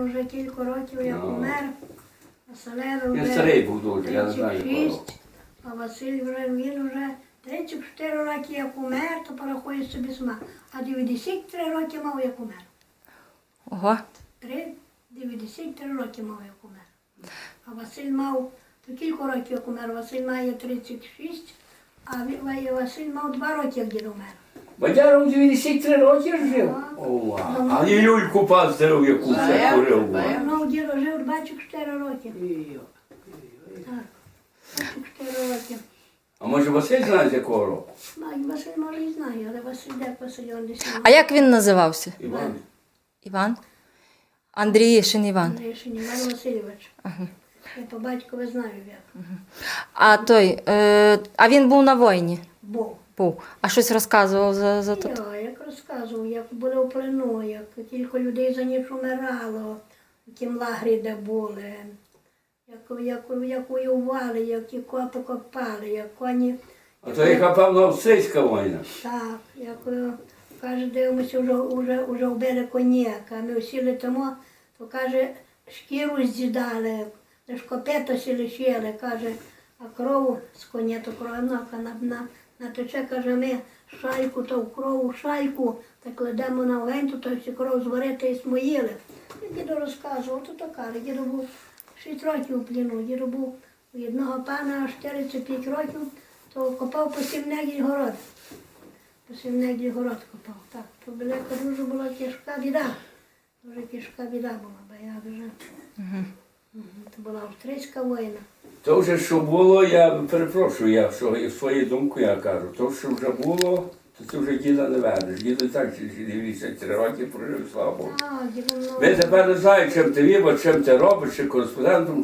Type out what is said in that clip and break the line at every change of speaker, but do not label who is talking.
вже кілька років, як умер. Василеві
Він
вже
старий був дуже, я не знаю.
36, а Василь він вже 34 роки як умер, то порахує собі сама. А 93 роки мав, як умер.
Ого.
93 роки мав, як умер. А Василь мав, то кілька років, як умер. Василь має 36, а Василь мав 2 роки, як дід умер.
Бадяра у 93 роки жив? А і люльку пастерив, яку це курив.
Ну, дідо жив 24 роки. Так, 24 роки.
А може Василь знає, з якого року?
Василь може і знає, але Василь де Василь, він десь.
А як він називався?
Іван.
Іван? Андріїшин Іван.
Андрійшин Іван Васильович. Я по батькові знаю як.
А той, а він був на війні?
Був.
Був. А щось розказував за то?
Як розказував, як були в плену, як кілька людей за ніч умирало, в тім лагері, де були, як воювали, як ті копи копали, як коні.
А то яка, певно, австрійська війна.
Так, як каже, дивимося, вже вбили коняка, а ми всі летимо, то каже, шкіру з'їдали, лиш копито сі лишили, каже, а кров з коня, то кровнока натече, каже, ми шайку, то в крову шайку, так кладемо на вогонь, то всю кров зварити і смоїли. І діду розказував, то каже, діду був 6 років у пліну, діду був у одного пана 45 років, то копав по 7 негіль город. По 7 негіль город копав, так. То велика дуже була тяжка біда. Дуже тяжка біда була, бо я вже... Це була австрійська війна.
То вже що було, я перепрошую, я свою думку я кажу, то що вже було, то ти вже діда не ведеш. Діда так 93 роки прожив, слава Богу.
Так, діду,
Ви тепер не знаєте, чим ти вибор, чим ти робиш, чи кореспондентом.